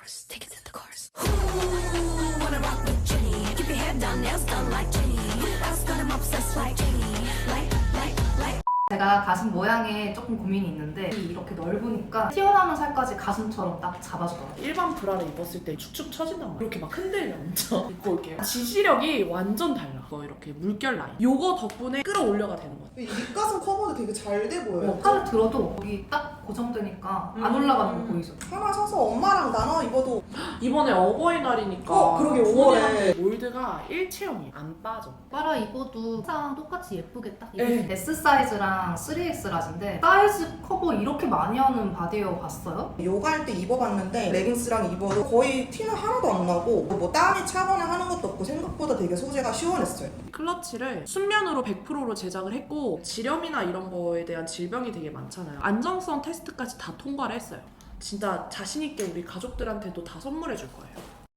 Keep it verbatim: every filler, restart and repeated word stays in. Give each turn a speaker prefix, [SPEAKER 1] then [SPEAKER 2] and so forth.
[SPEAKER 1] course, take it to the course. Ooh, wanna rock with Jenny. Keep your head down, nails done like Jenny. Who else got him obsessed like Jenny? Like, like, like.
[SPEAKER 2] 제가 가슴 모양에 조금 고민이 있는데 이렇게 넓으니까 튀어나오는 살까지 가슴처럼 딱 잡아주더라고요.
[SPEAKER 3] 일반 브라를 입었을 때 축축 처진단 말이야. 이렇게 막 흔들려 엄청. 입고 올게요. 지지력이 완전 달라. 이거 이렇게 물결 라인. 요거 덕분에 끌어올려가 되는 것 같아.
[SPEAKER 4] 이 윗가슴 커버도 되게 잘 돼 보여요.
[SPEAKER 2] 어, 팔을 들어도 여기 딱 고정되니까 안 올라가는 거 보이죠?
[SPEAKER 4] 하나 사서 엄마랑 나눠 입어도
[SPEAKER 3] 이번에 어버이날이니까
[SPEAKER 4] 어, 그러게, 오월에.
[SPEAKER 3] 부모님한테 몰드가 일체형이 안 빠져.
[SPEAKER 2] 빨아 입어도 항상 똑같이 예쁘게 딱
[SPEAKER 3] 네.
[SPEAKER 2] 입어요. S 사이즈랑 쓰리 엑스 라지인데 사이즈 커버 이렇게 많이 하는 바디웨어 봤어요?
[SPEAKER 4] 요가할 때 입어봤는데 레깅스랑 입어도 거의 티는 하나도 안 나고 뭐 땀이 차거나 하는 것도 없고 생각보다 되게 소재가 시원했어요.
[SPEAKER 3] 클러치를 순면으로 백 퍼센트로 제작을 했고 지렴이나 이런 거에 대한 질병이 되게 많잖아요. 안정성 테스트까지 다 통과를 했어요. 진짜 자신있게 우리 가족들한테도 다 선물해 줄 거예요.